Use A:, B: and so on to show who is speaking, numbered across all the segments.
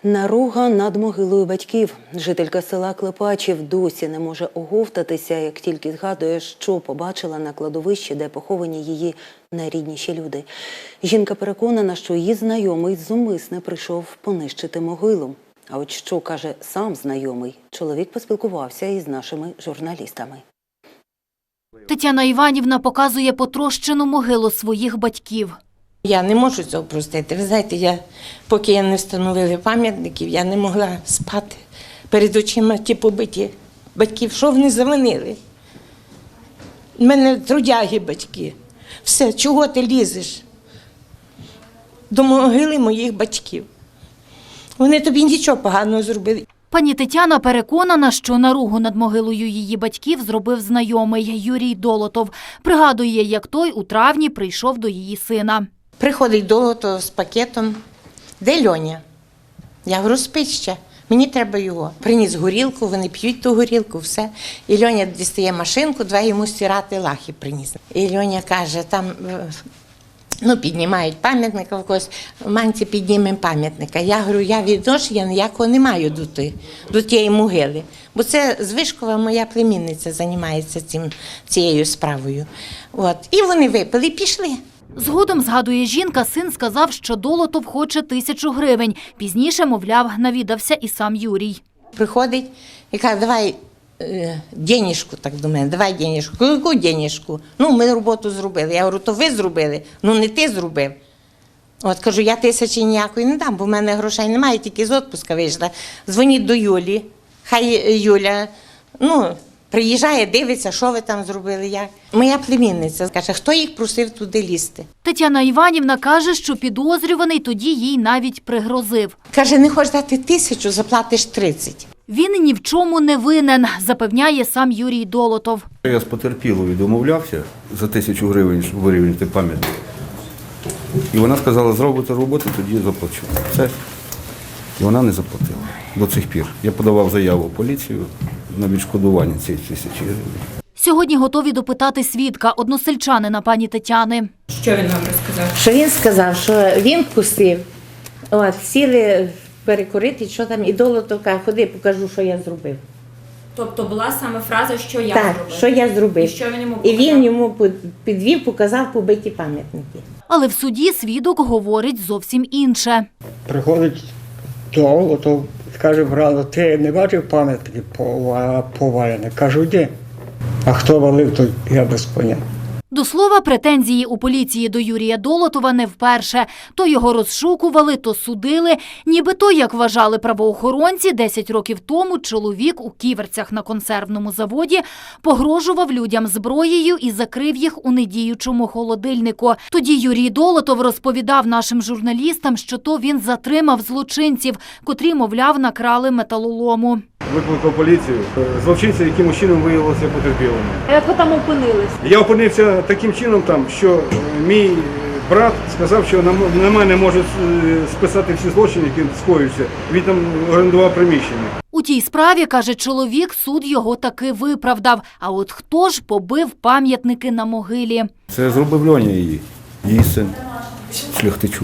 A: Наруга над могилою батьків. Жителька села Клепачів досі не може оговтатися, як тільки згадує, що побачила на кладовищі, де поховані її найрідніші люди. Жінка переконана, що її знайомий зумисне прийшов понищити могилу. А от що каже сам знайомий, чоловік поспілкувався із нашими журналістами.
B: Тетяна Іванівна показує потрощену могилу своїх батьків.
C: Я не можу цього простити. Ви знаєте, поки я не встановили пам'ятників, я не могла спати. Перед очима ті побиті батьків. Що вони завинили? У мене трудяги батьки. Все, чого ти лізеш? До могили моїх батьків. Вони тобі нічого поганого зробили.
B: Пані Тетяна переконана, що наругу над могилою її батьків зробив знайомий Юрій Долотов. Пригадує, як той у травні прийшов до її сина.
C: Приходить Долотов з пакетом. Де Льоня? Я говорю, спить ще. Мені треба його. Приніс горілку, вони п'ють ту горілку, все. І Льоня дістає машинку, два йому стирати лахи приніс. І Льоня каже, там, піднімають пам'ятника в когось, манці піднімемо пам'ятника. Я говорю, я відношення ніякого не маю до тієї могили. Бо це Звишкова, моя племінниця, займається цією справою. І вони випили і пішли.
B: Згодом, згадує жінка, син сказав, що Долотов хоче 1000 гривень. Пізніше, мовляв, навідався і сам Юрій.
C: Приходить і каже, давай денежку, так до мене, давай денежку. Яку денежку? Ми роботу зробили. Я говорю, то ви зробили, не ти зробив. Кажу, я 1000 ніякої не дам, бо в мене грошей немає, тільки з відпустка вийшла. Дзвоніть до Юлі, хай Юля, приїжджає, дивиться, що ви там зробили, як. Моя племінниця каже, хто їх просив туди лізти.
B: Тетяна Іванівна каже, що підозрюваний тоді їй навіть пригрозив.
C: Каже, не хочеш дати 1000, заплатиш 30.
B: Він ні в чому не винен, запевняє сам Юрій Долотов.
D: Я з потерпілою домовлявся за 1000 гривень, щоб вирівняти пам'ятник. І вона сказала, зробите роботу, тоді заплачу. Все. І вона не заплатила до цих пір. Я подавав заяву в поліцію на відшкодування цієї 1000 гривень.
B: Сьогодні готові допитати свідка, односельчанина пані Тетяни.
E: Що він вам розказав?
C: Що він сказав, що він вкусив, сіли перекурити, що там, і Долотов каже, ходи, покажу, що я зробив.
E: Тобто була саме фраза, що я
C: так,
E: зробив?
C: що я зробив.
E: І що він йому
C: показав? І він йому підвів, показав побиті пам'ятники.
B: Але в суді свідок говорить зовсім інше.
F: Приходить Долотов, каже, брат, ти не бачив пам'ятники повалені? Кажу, де? А хто валив, то я без поняття.
B: До слова, претензії у поліції до Юрія Долотова не вперше. То його розшукували, то судили. Нібито, як вважали правоохоронці, 10 років тому чоловік у Ківерцях на консервному заводі погрожував людям зброєю і закрив їх у недіючому холодильнику. Тоді Юрій Долотов розповідав нашим журналістам, що то він затримав злочинців, котрі, мовляв, накрали металолому.
G: Викликав поліцію. Злочинці якимось чином виявилися потерпілими.
B: А як ви там опинились?
G: Я опинився таким чином там, що мій брат сказав, що на мене можуть списати всі злочини, які скоюються. Він там орендував приміщення.
B: У тій справі, каже чоловік, суд його таки виправдав. А от хто ж побив пам'ятники на могилі?
D: Це зробив Льоня її син Шляхтичук.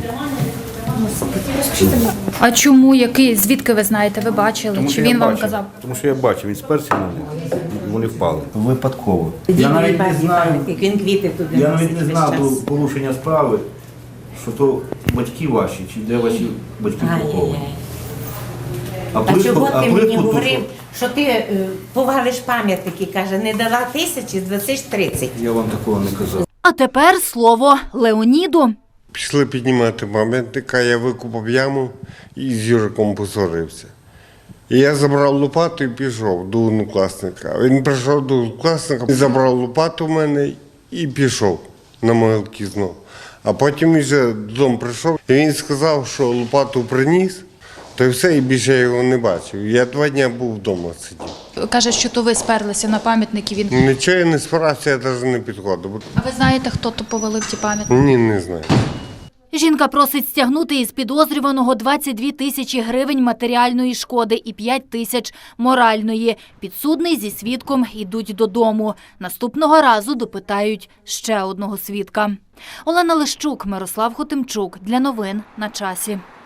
E: А чому? Звідки ви знаєте? Ви бачили? Чи він вам казав?
D: Тому що я бачив, він сперся на них, і вони впали. Випадково.
C: Я навіть не знаю, він квіти туди
D: до порушення справи, що то батьки ваші, чи де ваші батьки поховані.
C: А чого ти мені говорив, що ти повалиш пам'ятники, каже, не дала 1000, 20-30.
D: Я вам такого не казав.
B: А тепер слово Леоніду.
H: Пішли піднімати пам'ятника, я викопав яму і з Юриком посварився. І я забрав лопату і пішов до однокласника. Він прийшов до однокласника, забрав лопату в мене і пішов на могилки знову. А потім він вже додому прийшов, і він сказав, що лопату приніс, то і все, і більше я його не бачив. Я 2 дні був вдома сидів.
E: Каже, що то ви сперлися на пам'ятники.
H: Нічого я не спирався, я навіть не підходив.
E: А ви знаєте, хто то повалив ті пам'ятники?
H: Ні, не знаю.
B: Жінка просить стягнути із підозрюваного 22 000 гривень матеріальної шкоди і 5 тисяч моральної. Підсудний зі свідком йдуть додому. Наступного разу допитають ще одного свідка. Олена Лищук, Мирослав Хотимчук. Для новин на часі.